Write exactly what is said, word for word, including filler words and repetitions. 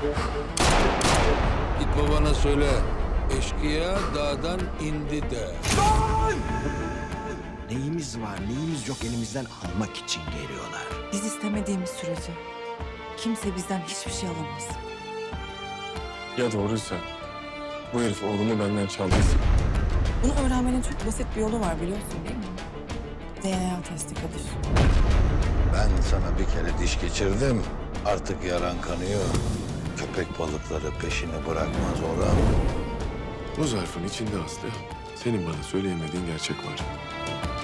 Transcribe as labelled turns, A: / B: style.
A: Git babana söyle. Eşkıya dağdan indi de.
B: Neyimiz var, neyimiz yok elimizden almak için geliyorlar.
C: Biz istemediğimiz sürece kimse bizden hiçbir şey alamaz.
D: Ya doğruysa bu herif oğlumu benden çaldıysa?
C: Bunu öğrenmenin çok basit bir yolu var biliyorsun değil mi? D N A testi Kadir.
A: Ben sana bir kere diş geçirdim. Artık yaran kanıyor. Köpek balıkları peşini bırakmaz Orhan.
D: Bu zarfın içinde Aslı senin bana söyleyemediğin gerçek var.